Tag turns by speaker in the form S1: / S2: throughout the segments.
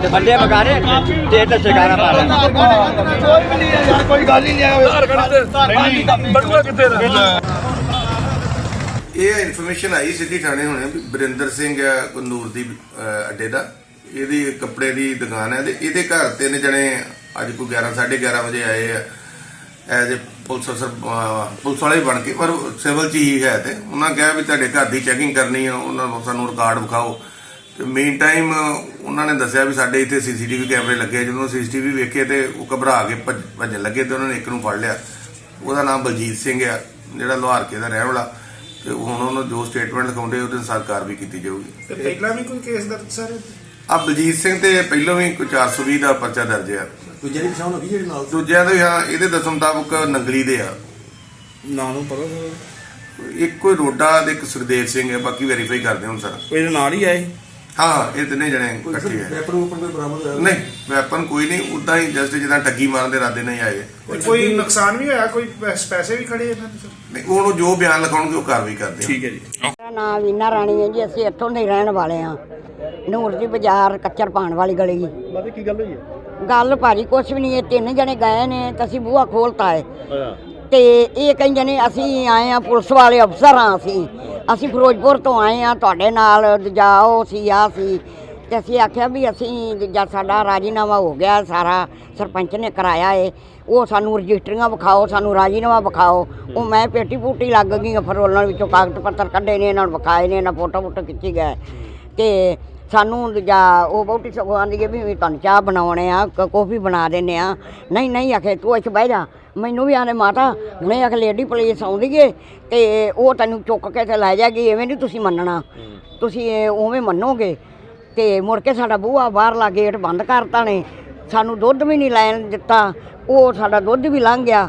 S1: बंदे बगा रहे स्टेट शिकारा पा रहे
S2: कोई गल ही
S3: ਇਹ ਇਨਫੋਰਮੇਸ਼ਨ ਆਈ ਸਿੱਧੀ ਥਾਣੇ ਹੋਣੇ ਵੀ ਬਰਿੰਦਰ ਸਿੰਘ ਆ ਕਨੂਰ ਦੀ ਅੱਡੇ ਦਾ ਇਹਦੀ ਕੱਪੜੇ ਦੀ ਦੁਕਾਨ ਹੈ ਤੇ ਇਹਦੇ ਘਰ ਤਿੰਨ ਜਣੇ ਅੱਜ ਕੋਈ 11:30 ਵਜੇ ਆਏ ਆ ਐਜ਼ ਪੁਲਿਸ ਵਾਲੇ ਬਣ ਕੇ ਪਰ ਸਿਵਲ ਚ ਹੀ ਹੈ ਤੇ ਉਹਨਾਂ ਕਿਹਾ ਵੀ ਤੁਹਾਡੇ ਘਰ ਦੀ ਚੈਕਿੰਗ ਕਰਨੀ ਆ ਉਹਨਾਂ ਨੂੰ ਸਾਨੂੰ ਰਿਕਾਰਡ ਵਿਖਾਓ ਤੇ ਮੇਨ ਟਾਈਮ ਉਹਨਾਂ ਨੇ ਦੱਸਿਆ ਵੀ ਸਾਡੇ ਇੱਥੇ ਸੀਸੀਟੀਵੀ ਕੈਮਰੇ ਲੱਗੇ ਜਦੋਂ ਸੀਸੀਟੀਵੀ ਵੇਖੇ ਤੇ ਉਹ ਘਬਰਾ ਕੇ ਭੱਜਣ ਲੱਗੇ ਤੇ ਉਹਨਾਂ ਨੇ ਇੱਕ ਨੂੰ ਫੜ ਲਿਆ ਉਹਦਾ ਨਾਮ ਬਲਜੀਤ ਸਿੰਘ ਆ ਜਿਹੜਾ ਲੋਹਾਰਕੇ ਦਾ ਰਹਿਣ ਵਾਲਾ ਤੇ ਹੁਣ ਉਹਨੂੰ ਜੋ ਸਟੇਟਮੈਂਟ ਲਿਖਾਉਂਦੇ ਉਹਦੇ ਅਨੁਸਾਰ ਕਾਰਵਾਈ ਕੀਤੀ ਜਾਊਗੀ।
S2: ਤੇ ਪਹਿਲਾਂ ਵੀ ਕੋਈ ਕੇਸ ਦਰਜ ਸਰ
S3: ਆ ਬਲਜੀਤ ਸਿੰਘ ਤੇ ਪਹਿਲਾਂ ਵੀ ਕੋਈ 420 ਦਾ ਪਰਚਾ ਦਰਜ ਆ।
S2: ਦੂਜੇ ਦੀ ਪਛਾਣ ਹੋਈ ਜਿਹੜੇ ਨਾਲ
S3: ਦੂਜਿਆਂ ਦੇ ਹਾਂ ਇਹਦੇ ਦੱਸਣ ਮੁਤਾਬਕ ਨੰਗਲੀ ਦੇ ਆ
S2: ਨਾਂ ਨੂੰ ਪਤਾ
S3: ਇੱਕ ਕੋਈ ਰੋਡਾ ਤੇ ਇੱਕ ਸੁਖਦੇਵ ਸਿੰਘ ਹੈ ਬਾਕੀ ਵੈਰੀਫਾਈ ਕਰਦੇ ਹੁਣ ਸਰ।
S2: ਕੋਈ ਇਹਦੇ ਨਾਲ ਹੀ ਆਏ
S3: ਹਾਂ ਇਹ ਤਿੰਨੇ ਜਣੇ ਇਕੱਠੇ ਹੈ।
S2: ਵੈਪਨ ਕੋਈ ਬਰਾਮਦ ਹੋਇਆ
S3: ਨਹੀਂ ਵੈਪਨ ਕੋਈ ਨਹੀਂ ਉਦਾਂ ਹੀ ਜਸਟ ਜਿੱਦਾਂ ਠੱਗੀ ਮਾਰਨ ਦੇ ਇਰਾਦੇ ਨਹੀਂ ਆਏ।
S2: ਕੋਈ ਨੁਕਸਾਨ ਵੀ ਹੋਇਆ ਕੋਈ ਪੈਸੇ ਵੀ ਖੜੇ ਇਹਨਾਂ ਦੇ
S3: ਨਹੀਂ ਉਹਨੂੰ ਜੋ ਬਿਆਨ ਲਿਖਾਉਣਗੇ ਉਹ ਕਾਰਵਾਈ ਕਰਦੇ ਆ।
S2: ਠੀਕ ਹੈ ਜੀ।
S4: ਮੇਰਾ ਨਾਮ ਵੀਨਾ ਰਾਣੀ ਹੈ ਜੀ। ਅਸੀਂ ਇੱਥੋਂ ਦੇ ਰਹਿਣ ਵਾਲੇ ਹਾਂ। ਨੂਰ ਦੀ ਬਾਜ਼ਾਰ ਕੱਚਰ ਪਾਣ ਵਾਲੀ ਗਲੀ।
S2: ਬਾਕੀ ਕੀ ਗੱਲ ਹੋਈ ਹੈ?
S4: ਗੱਲ ਭਾਜੀ ਕੁਛ ਵੀ ਨਹੀਂ। ਇਹ ਤਿੰਨ ਜਣੇ ਗਏ ਨੇ ਤਾਂ ਅਸੀਂ ਬੂਹਾ ਖੋਲਤਾ ਹੈ ਤੇ ਇਹ ਕਹਿੰਦੇ ਨੇ ਅਸੀਂ ਆਏ ਆ ਪੁਲਿਸ ਵਾਲੇ ਅਫਸਰ ਹਾਂ। ਅਸੀਂ ਫਿਰੋਜ਼ਪੁਰ ਤੋਂ ਆਏ ਆ ਤੁਹਾਡੇ ਨਾਲ ਜਾਓ ਸੀ ਆ ਸੀ ਤੇ ਅਸੀਂ ਆਖਿਆ ਵੀ ਅਸੀਂ ਜਦ ਸਾਡਾ ਰਾਜੀਨਾਮਾ ਹੋ ਗਿਆ ਸਾਰਾ ਸਰਪੰਚ ਨੇ ਕਰਾਇਆ ਏ ਉਹ ਸਾਨੂੰ ਰਜਿਸਟਰੀਆਂ ਵਿਖਾਓ ਸਾਨੂੰ ਰਾਜੀਨਾਮਾ ਵਿਖਾਓ। ਉਹ ਮੈਂ ਪੇਟੀ ਪੂਟੀ ਲੱਗ ਗਈ ਫਿਰ ਉਹਨਾਂ ਵਿੱਚੋਂ ਕਾਗਜ਼ ਪੱਤਰ ਕੱਢੇ ਨੇ ਇਹਨਾਂ ਨੂੰ ਵਿਖਾਏ ਨੇ ਇਹਨਾਂ ਫੋਟੋ ਫੋਟੋ ਖਿੱਚੀ ਗਏ ਤੇ ਸਾਨੂੰ ਦੂਜਾ ਉਹ ਬਹੁਤੀ ਸਗੋਂ ਆਂਦੀ ਹੈ ਵੀ ਤੁਹਾਨੂੰ ਚਾਹ ਬਣਾਉਣੇ ਆ ਕੌਫੀ ਬਣਾ ਦਿੰਦੇ ਆ। ਨਹੀਂ ਆਖੇ ਤੂੰ ਇੱਥੇ ਬਹਿ ਜਾ। ਮੈਨੂੰ ਵੀ ਆਨੇ ਮਾਤਾ ਹੁਣੇ ਆਖ ਲੇਡੀ ਪੁਲਿਸ ਆਉਂਦੀ ਏ ਤੇ ਉਹ ਤੈਨੂੰ ਚੁੱਕ ਕੇ ਤੇ ਲੈ ਜਾਏਗੀ ਐਵੇਂ ਨਹੀਂ ਤੁਸੀਂ ਮੰਨਣਾ ਤੁਸੀਂ ਉਵੇਂ ਮੰਨੋਗੇ। ਤੇ ਮੁੜ ਕੇ ਸਾਡਾ ਬੂਹਾ ਬਾਹਰਲਾ ਗੇਟ ਬੰਦ ਕਰਤਾ ਨੇ ਸਾਨੂੰ ਦੁੱਧ ਵੀ ਨਹੀਂ ਲੈਣ ਦਿੱਤਾ। ਉਹ ਸਾਡਾ ਦੁੱਧ ਵੀ ਲੰਘ ਗਿਆ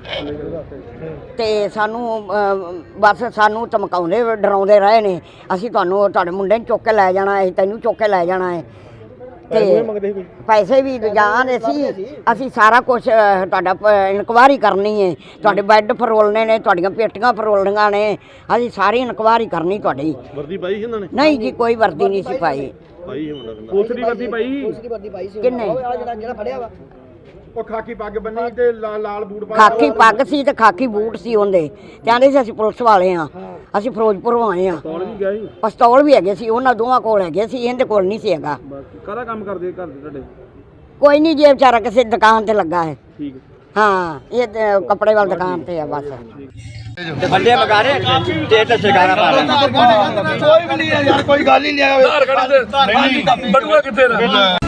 S4: ਤੇ ਸਾਨੂੰ ਬਸ ਸਾਨੂੰ ਧਮਕਾਉਂਦੇ ਡਰਾਉਂਦੇ ਰਹੇ ਨੇ ਅਸੀਂ ਤੁਹਾਨੂੰ ਤੁਹਾਡੇ ਮੁੰਡੇ ਨੂੰ ਚੁੱਕ ਕੇ ਲੈ ਜਾਣਾ ਹੈ ਤੈਨੂੰ ਚੁੱਕ ਕੇ ਲੈ ਜਾਣਾ ਹੈ ਤੇ ਪੈਸੇ ਵੀ ਜਾਣੇ ਸੀ। ਅਸੀਂ ਸਾਰਾ ਕੁਝ ਤੁਹਾਡਾ ਇਨਕੁਆਇਰੀ ਕਰਨੀ ਹੈ ਤੁਹਾਡੇ ਬੈੱਡ ਫਰੋਲਣੇ ਨੇ ਤੁਹਾਡੀਆਂ ਪੇਟੀਆਂ ਫਰੋਲਣੀਆਂ ਨੇ ਅਸੀਂ ਸਾਰੀ ਇਨਕੁਆਇਰੀ ਕਰਨੀ ਤੁਹਾਡੀ।
S2: ਵਰਦੀ ਪਾਈ ਇਹਨਾਂ ਨੇ?
S4: ਨਹੀਂ ਜੀ ਕੋਈ ਵਰਦੀ ਨਹੀਂ ਸੀ ਪਾਈ।
S2: ਪੁਲਿਸ ਦੀ ਵਰਦੀ ਪਾਈ?
S4: ਕਿੰਨੇ?
S2: ਜਿਹੜਾ ਫੜਿਆ ਵਾ ਉਹ ਖਾਕੀ ਪੱਗ ਬੰਨੀ ਤੇ ਲਾਲ ਬੂਟ ਪਾ
S4: ਖਾਕੀ ਪੱਗ ਸੀ ਤੇ ਖਾਕੀ ਬੂਟ ਸੀ ਉਹਦੇ। ਕਹਿੰਦੇ ਸੀ ਅਸੀਂ ਪੁਲਿਸ ਵਾਲੇ ਹਾਂ ਅਸੀਂ ਫਿਰੋਜ਼ਪੁਰੋਂ ਆਏ ਹਾਂ। ਪਿਸਤੌਲ ਵੀ ਹੈਗੇ ਸੀ ਉਹਨਾਂ ਦੋਵਾਂ ਕੋਲ ਹੈਗੇ ਸੀ ਇਹਦੇ ਕੋਲ ਨਹੀਂ ਸੀ ਹੈਗਾ।
S2: ਕਾਹਦਾ ਕੰਮ ਕਰਦੇ ਘਰ ਦੇ ਤੁਹਾਡੇ?
S4: ਕੋਈ ਨਹੀਂ ਜੇ ਵਿਚਾਰਾ ਕਿਸੇ ਦੁਕਾਨ ਤੇ ਲੱਗਾ ਹੈ।
S2: ਠੀਕ
S4: ਹਾਂ ਇਹ ਕੱਪੜੇ ਵਾਲੀ ਦੁਕਾਨ ਤੇ ਆ ਬਸ।
S1: बंदे बगा रहे स्टेट शिकारा पा रहे
S2: ਕੋਈ ਵੀ ਨਹੀਂ ਯਾਰ ਕੋਈ ਗੱਲ ਹੀ ਨਹੀਂ
S5: ਬਟੂਆ ਕਿੱਥੇ ਦਾ?